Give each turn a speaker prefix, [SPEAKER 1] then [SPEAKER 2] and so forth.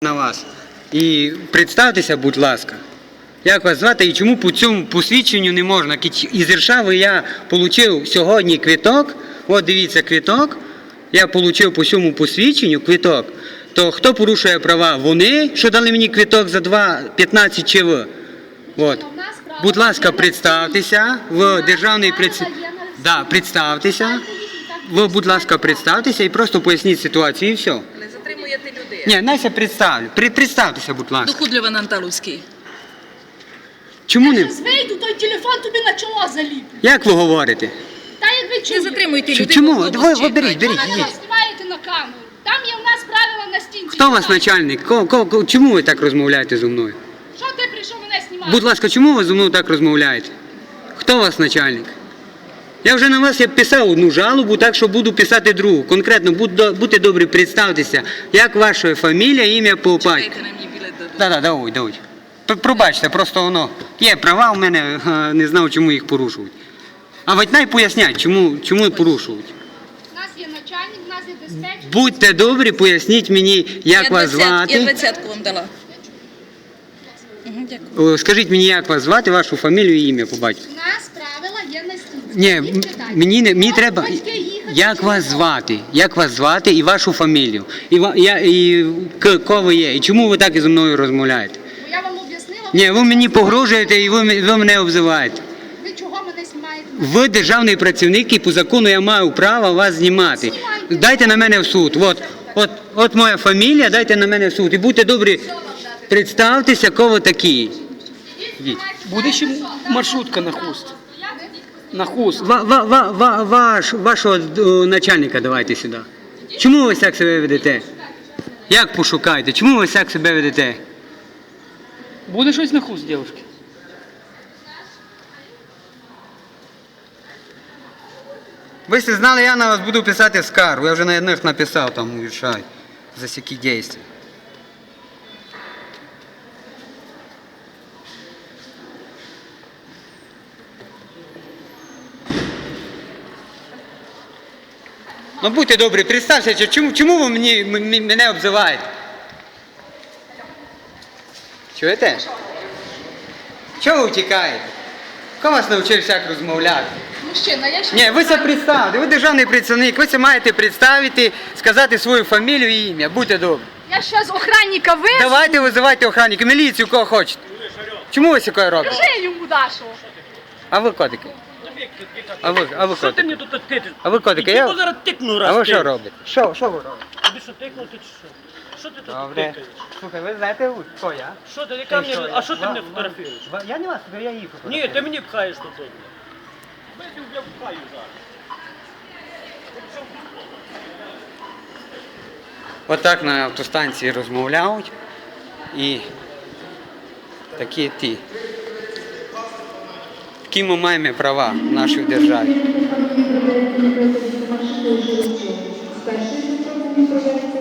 [SPEAKER 1] на вас. І представтеся, будь ласка, як вас звати і чому по цьому посвідченню не можна? Із Іршави я отримав сьогодні квиток, от дивіться квиток, я отримав по цьому посвідченню квиток, то хто порушує права? Вони, що дали мені квиток за 2,15 чи ви? От. Будь ласка, представтеся, в державний представтеся. Ви, будь ласка, представтеся і просто поясніть ситуацію, і все.
[SPEAKER 2] Не затримуєте людей.
[SPEAKER 1] Ні, Настя, представлю. Представтеся, будь ласка.
[SPEAKER 2] Дохудлива Анталовський.
[SPEAKER 1] Чому не?
[SPEAKER 3] Зараз вийду, той телефон тобі на чоло заліплю.
[SPEAKER 1] Як ви говорите?
[SPEAKER 3] Та як ви
[SPEAKER 2] Не
[SPEAKER 3] чуєте?
[SPEAKER 2] затримуйте людей.
[SPEAKER 1] Чому?
[SPEAKER 2] в автобус
[SPEAKER 1] Давай,
[SPEAKER 2] чекайте.
[SPEAKER 1] беріть.
[SPEAKER 3] Ви мене знімаєте на камеру. Там є в нас правила на стінці.
[SPEAKER 1] Хто у вас начальник? Чому ви так розмовляєте зі мною?
[SPEAKER 3] Що ти прийшов мене знімати?
[SPEAKER 1] Будь ласка, чому ви зі мною так розмовляєте? Хто у вас начальник? Я вже на вас писав одну жалобу, так що буду писати другу. Конкретно, будьте добрі, представтеся. Як ваша фамілія, ім'я по батьку?
[SPEAKER 2] Чекайте на мені білет дадуть.
[SPEAKER 1] Так, давай. Пробачте, просто воно. Є права у мене, не знав, чому їх порушують. А ватнай пояснять, чому порушують.
[SPEAKER 3] У нас є начальник, у нас є диспетчер.
[SPEAKER 1] Будьте добрі, поясніть мені, як вас
[SPEAKER 2] Я
[SPEAKER 1] звати.
[SPEAKER 2] 20-ку вам дала. Дякую.
[SPEAKER 1] Скажіть мені, як вас звати, вашу фамілію і ім'я по батьку.
[SPEAKER 3] У нас правила є на стінці.
[SPEAKER 1] Ні,
[SPEAKER 3] Їх читайте.
[SPEAKER 1] мені
[SPEAKER 3] Можуть
[SPEAKER 1] треба,
[SPEAKER 3] батьки їхати
[SPEAKER 1] як
[SPEAKER 3] чи
[SPEAKER 1] вас
[SPEAKER 3] не
[SPEAKER 1] звати, і вашу фамілію, і кого ви є, і чому ви так зі мною розмовляєте?
[SPEAKER 3] Бо я вам об'яснила.
[SPEAKER 1] Ні, ви мені погрожуєте і ви мене обзиваєте.
[SPEAKER 3] Ви чого мене знімаєте?
[SPEAKER 1] Ви державний працівник і по закону я маю право вас знімати.
[SPEAKER 3] Знімайте.
[SPEAKER 1] Дайте на мене в суд. От моя фамілія, дайте на мене в суд. І будьте добрі, представтеся, кого ви такі.
[SPEAKER 4] Буде ще маршрутка на хуст. На хуст.
[SPEAKER 1] Вашого начальника давайте сюди. Чому ви так себе ведете? Як пошукаєте? Чому ви так себе ведете?
[SPEAKER 4] Буде щось на хуст, дівчатки?
[SPEAKER 1] Ви всі знали, я на вас буду писати скаргу. Я вже на одних написав там у Віршаві за всякі дії. Ну будьте добрі, представся, чому ви мене обзиваєте? Чуєте? Чого ви втікаєте? Хто вас навчив всяк розмовляти?
[SPEAKER 3] Мужчина, я ще...
[SPEAKER 1] Ні, ви це представте, ви державний працівник, ви це маєте представити, сказати свою фамілію і ім'я, будьте добрі.
[SPEAKER 3] Я зараз охранника визову.
[SPEAKER 1] Давайте визивайте охранника, міліцію, кого хочете. Чому ви таке робите?
[SPEAKER 3] Скажи йому, Дашо.
[SPEAKER 1] А ви котики? А ви
[SPEAKER 5] Що ти
[SPEAKER 1] котики?
[SPEAKER 5] мені тут тикаєш?
[SPEAKER 1] А ви котики?
[SPEAKER 5] Я
[SPEAKER 1] Я...
[SPEAKER 5] тебе зараз тикну
[SPEAKER 1] А
[SPEAKER 5] раз.
[SPEAKER 1] ви що робите? Що ви робите?
[SPEAKER 5] Тобі що тикнути чи що? Що ти тут
[SPEAKER 1] Добре.
[SPEAKER 5] тикаєш?
[SPEAKER 1] Слухай, ви знаєте, хто я?
[SPEAKER 5] Що ти, яка мені, а що ти мене фотографуєш?
[SPEAKER 1] Я не вас, я їх фотографую.
[SPEAKER 5] Ні, ти мені пхаєш тут. Я пхаю зараз.
[SPEAKER 1] Отак на автостанції розмовляють і такі ті. Такі ми маємо права в нашій державі.
[SPEAKER 6] З першої